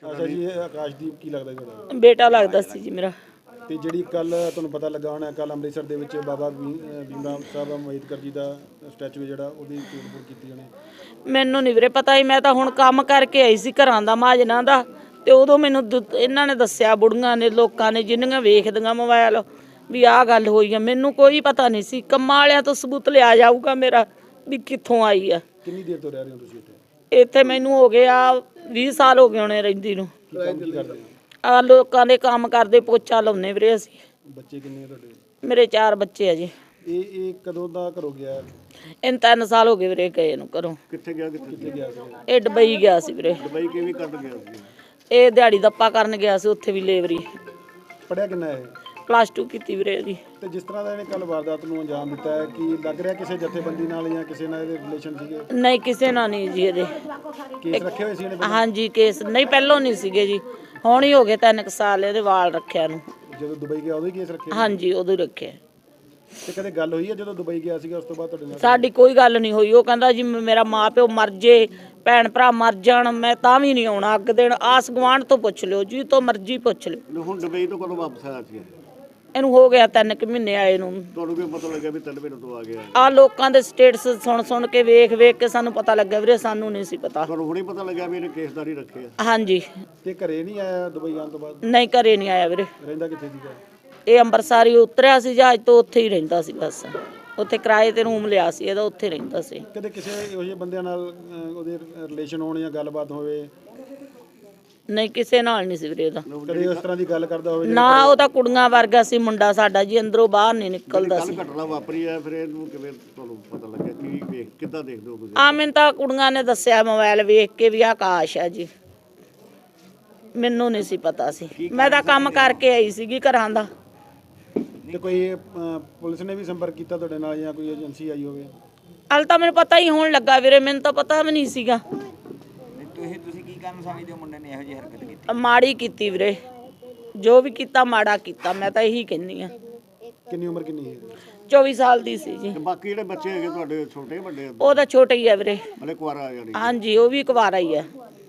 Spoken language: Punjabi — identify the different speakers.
Speaker 1: ਅੱਛਾ ਜੀ, ਇਹ ਆਕਾਸ਼ਦੀਪ ਕੀ ਲੱਗਦਾ ਤੁਹਾਡਾ?
Speaker 2: ਬੇਟਾ ਲੱਗਦਾ ਸੀ ਜੀ ਮੇਰਾ।
Speaker 1: ਤੇ ਜਿਹੜੀ ਕੱਲ ਤੁਹਾਨੂੰ ਪਤਾ ਲੱਗਾ ਹੋਣਾ, ਕੱਲ ਅੰਮ੍ਰਿਤਸਰ ਦੇ ਵਿੱਚ ਬਾਬਾ ਭੀਮ ਰਾਵ ਸਾਹਿਬ ਅੰਬੇਦਕਰ ਜੀ ਦਾ ਸਟੈਚੂ ਜਿਹੜਾ ਉਹਦੀ ਤੋੜ-ਫੋੜ ਕੀਤੀ ਉਹਨੇ।
Speaker 2: ਮੈਨੂੰ ਨਹੀਂ ਵੀਰੇ ਪਤਾ ਹੀ, ਮੈਂ ਤਾਂ ਹੁਣ ਕੰਮ ਕਰਕੇ ਆਈ ਸੀ ਘਰਾਂ ਦਾ ਮਾਜਨਾ ਦਾ, ਤੇ ਉਦੋਂ ਮੈਨੂੰ ਇਹਨਾਂ ਨੇ ਦੱਸਿਆ, ਬੁੜੀਆਂ ਨੇ, ਲੋਕਾਂ ਨੇ, ਜਿੰਨੀਆਂ ਵੇਖਦੀਆਂ ਮੋਬਾਈਲ, ਵੀ ਆਹ ਗੱਲ ਹੋਈ ਆ। ਮੈਨੂੰ ਕੋਈ ਪਤਾ ਨਹੀਂ ਸੀ। ਕੰਮਾਂ ਵਾਲਿਆਂ ਤੋਂ ਸਬੂਤ ਲਿਆ ਜਾਊਗਾ ਮੇਰਾ ਵੀ ਕਿੱਥੋਂ ਆਈ ਆ।
Speaker 1: ਕਿੰਨੀ ਦੇਰ ਤੋਂ ਰਹਿ ਰਹੇ ਹੋ ਤੁਸੀਂ ਇੱਥੇ?
Speaker 2: ਇੱਥੇ ਮੈਨੂੰ ਹੋ ਗਿਆ 20 ਸਾਲ ਹੋ ਗਏ ਹੋਣੇ ਰਹਿੰਦੀ ਨੂੰ।
Speaker 1: ਕੀ ਕਰਦੇ ਹੋ?
Speaker 2: ਆ ਲੋਕਾਂ ਦੇ ਕੰਮ ਕਰਦੇ, ਪੋਚਾ ਲਾਉਂਦੇ ਵੀਰੇ ਅਸੀਂ।
Speaker 1: ਬੱਚੇ ਕਿੰਨੇ ਤੁਹਾਡੇ?
Speaker 2: ਮੇਰੇ 4 ਬੱਚੇ ਆ ਜੀ।
Speaker 1: ਇਹ ਕਦੋਂ ਦਾ ਘਰੋਂ ਗਿਆ?
Speaker 2: ਇਹਨੂੰ 3 ਸਾਲ ਹੋ ਗਏ ਵੀਰੇ ਗਏ ਨੂੰ ਘਰੋਂ।
Speaker 1: ਕਿੱਥੇ ਗਿਆ ਸੀ?
Speaker 2: ਇਹ ਦੁਬਈ ਗਿਆ ਸੀ ਵੀਰੇ।
Speaker 1: ਦੁਬਈ ਕਿਵੇਂ ਕਰਨ ਗਿਆ ਸੀ?
Speaker 2: ਇਹ ਦਿਹਾੜੀ ਦੱਪਾ ਕਰਨ ਗਿਆ ਸੀ, ਉੱਥੇ ਵੀ ਲੇਬਰੀ।
Speaker 1: ਪੜਿਆ ਕਿੰਨਾ ਹੈ?
Speaker 2: +2 ਕੀਤੀ ਵੀਰੇ ਇਹਦੀ।
Speaker 1: ਤੇ ਜਿਸ ਤਰ੍ਹਾਂ ਦਾ ਇਹਨੇ ਕੱਲ ਵਾਰਦਾਤ ਨੂੰ ਅੰਜਾਮ ਦਿੱਤਾ ਹੈ, ਕਿ ਲੱਗ ਰਿਹਾ ਕਿਸੇ ਜਥੇਬੰਦੀ ਨਾਲ ਜਾਂ ਕਿਸੇ ਨਾਲ ਇਹਦੇ ਰਿਲੇਸ਼ਨ ਸੀਗੇ?
Speaker 2: ਨਹੀਂ, ਕਿਸੇ ਨਾਲ ਨਹੀਂ ਜੀ ਇਹਦੇ।
Speaker 1: ਕੇਸ ਰੱਖੇ ਹੋਏ ਸੀ ਇਹਨੇ?
Speaker 2: ਹਾਂਜੀ, ਕੇਸ ਨਹੀਂ, ਪਹਿਲੋਂ ਨਹੀਂ ਸੀਗੇ ਜੀ, ਹੁਣ ਹੀ ਹੋ ਗਏ 3 ਸਾਲ ਇਹਦੇ ਵਾਲ ਰੱਖਿਆ ਨੂੰ।
Speaker 1: ਜਦੋਂ ਦੁਬਈ ਗਿਆ ਉਦੋਂ ਹੀ ਕੇਸ ਰੱਖੇ?
Speaker 2: ਹਾਂਜੀ, ਉਦੋਂ ਹੀ ਰੱਖਿਆ।
Speaker 1: ਤੇ ਕਦੇ ਗੱਲ ਹੋਈ ਹੈ ਜਦੋਂ ਦੁਬਈ ਗਿਆ ਸੀਗਾ ਉਸ ਤੋਂ ਬਾਅਦ ਤੁਹਾਡੇ ਨਾਲ?
Speaker 2: ਸਾਡੀ ਕੋਈ ਗੱਲ ਨਹੀਂ ਹੋਈ। ਉਹ ਕਹਿੰਦਾ ਜੀ ਮੇਰਾ ਮਾਂ ਪਿਓ ਮਰ ਜੇ, ਭੈਣ ਭਰਾ ਮਰ ਜਾਣ, ਮੈਂ ਤਾਂ ਵੀ ਨਹੀਂ ਆਉਣਾ ਅੱਗ ਦੇਣ। ਆਸ ਗੁਆਂਢ ਤੋਂ ਪੁੱਛ ਲਿਓ, ਜੀ ਤੋਂ ਮਰਜ਼ੀ ਪੁੱਛ ਲਿਓ।
Speaker 1: ਹੁਣ ਦੁਬਈ ਤੋਂ ਕਦੋਂ ਵਾਪਸ ਆਇਆ ਸੀ?
Speaker 2: ਇਹਨੂੰ ਹੋ ਗਿਆ 3 ਮਹੀਨੇ ਆਏ ਨੂੰ।
Speaker 1: ਤੁਹਾਨੂੰ ਕੀ ਪਤਾ ਲੱਗਿਆ ਵੀ 3 ਮਹੀਨੇ ਤੋਂ ਆ ਗਿਆ?
Speaker 2: ਆ ਲੋਕਾਂ ਦੇ ਸਟੇਟਸ ਸੁਣ ਕੇ, ਵੇਖ ਕੇ ਸਾਨੂੰ ਪਤਾ ਲੱਗਾ ਵੀਰੇ, ਸਾਨੂੰ ਨਹੀਂ ਸੀ ਪਤਾ।
Speaker 1: ਤੁਹਾਨੂੰ ਹੁਣੇ ਪਤਾ ਲੱਗਿਆ ਵੀ ਇਹਨੇ ਕੇਸਦਾਰੀ ਰੱਖੇ ਆ?
Speaker 2: ਹਾਂਜੀ।
Speaker 1: ਤੇ ਘਰੇ ਨਹੀਂ ਆਇਆ ਦੁਬਈ ਆਉਣ ਤੋਂ ਬਾਅਦ?
Speaker 2: ਨਹੀਂ, ਘਰੇ ਨਹੀਂ ਆਇਆ ਵੀਰੇ।
Speaker 1: ਰਹਿੰਦਾ ਕਿੱਥੇ ਸੀਗਾ?
Speaker 2: ਇਹ ਅੰਮ੍ਰਿਤਸਰ ਹੀ ਉਤਰਿਆ ਸੀ ਜਹਾਜ਼ ਤੋਂ, ਉੱਥੇ ਹੀ ਰਹਿੰਦਾ ਸੀ ਬਸ। ਉੱਥੇ ਕਿਰਾਏ ਤੇ ਰੂਮ ਲਿਆ ਸੀ ਇਹਦਾ, ਉੱਥੇ ਰਹਿੰਦਾ ਸੀ।
Speaker 1: ਕਦੇ ਕਿਸੇ ਇਹੋ ਜਿਹੇ ਬੰਦਿਆਂ ਨਾਲ ਉਹਦੇ ਰਿਲੇਸ਼ਨ ਹੋਣ ਜਾਂ ਗੱਲਬਾਤ ਹੋਵੇ?
Speaker 2: ਨਹੀਂ, ਕਿਸੇ ਨਾਲ ਨਹੀਂ ਸੀ ਵੀਰੇ ਇਹਦਾ।
Speaker 1: ਕਦੇ ਉਸ ਤਰ੍ਹਾਂ ਦੀ ਗੱਲ ਕਰਦਾ ਹੋਵੇ?
Speaker 2: ਨਾ, ਉਹ ਤਾਂ ਕੁੜੀਆਂ ਵਰਗਾ ਸੀ ਮੁੰਡਾ ਸਾਡਾ ਜੀ, ਅੰਦਰੋਂ ਬਾਹਰ ਨਹੀਂ ਨਿਕਲਦਾ ਸੀ।
Speaker 1: ਘਟਨਾ ਵਾਪਰੀ ਹੈ, ਫਿਰ ਇਹਨੂੰ ਕਿਵੇਂ ਤੁਹਾਨੂੰ ਪਤਾ ਲੱਗਿਆ? ਕੀ ਵੇਖ ਕਿੱਦਾਂ ਦੇਖਦੇ ਹੋ ਤੁਸੀਂ?
Speaker 2: ਆ ਮੈਨੂੰ ਤਾਂ ਕੁੜੀਆਂ ਨੇ ਦੱਸਿਆ ਮੋਬਾਈਲ ਵੇਖ ਕੇ ਵੀ ਆਕਾਸ਼ ਆ ਜੀ। ਮੈਨੂੰ ਨਹੀਂ ਸੀ ਪਤਾ ਸੀ, ਮੈਂ ਤਾਂ ਕੰਮ ਕਰਕੇ ਆਈ ਸੀਗੀ ਘਰਾਂ ਦਾ।
Speaker 1: ਤੇ ਕੋਈ ਪੁਲਿਸ ਨੇ ਵੀ ਸੰਪਰਕ ਕੀਤਾ ਤੁਹਾਡੇ ਨਾਲ ਜਾਂ ਕੋਈ ਏਜੰਸੀ ਆਈ ਹੋਵੇ?
Speaker 2: ਹਾਲੇ ਤਾਂ ਮੈਨੂੰ ਪਤਾ ਹੀ ਹੋਣ ਲੱਗਾ ਵੀਰੇ, ਮੈਨੂੰ ਤਾਂ ਪਤਾ ਵੀ ਨਹੀਂ ਸੀਗਾ।
Speaker 3: ਤੁਸੀਂ ਕੀ ਕਾਰਨ ਸਮਝਦੇ ਹੋ ਮੁੰਡੇ ਨੇ ਇਹੋ ਜਿਹੀ ਹਰਕਤ ਕੀਤੀ?
Speaker 2: ਮਾੜੀ ਕੀਤੀ ਵੀਰੇ, ਜੋ ਵੀ ਕੀਤਾ ਮਾੜਾ ਕੀਤਾ, ਮੈਂ ਤਾਂ ਇਹੀ ਕਹਿੰਦੀ ਆ।
Speaker 1: ਕਿੰਨੀ ਉਮਰ ਕਿੰਨੀ ਹੈ?
Speaker 2: 24 ਸਾਲ ਦੀ ਸੀ ਜੀ।
Speaker 1: ਤੇ ਬਾਕੀ ਜਿਹੜੇ ਬੱਚੇ ਹੈਗੇ ਤੁਹਾਡੇ ਛੋਟੇ ਵੱਡੇ?
Speaker 2: ਉਹ ਤਾਂ ਛੋਟੇ ਹੀ ਆ ਵੀਰੇ।
Speaker 1: ਹਲੇ ਕੁਆਰਾ ਆ ਜਾਣੀ?
Speaker 2: ਹਾਂਜੀ, ਉਹ ਵੀ ਕੁਵਾਰਾ ਹੀ ਆ।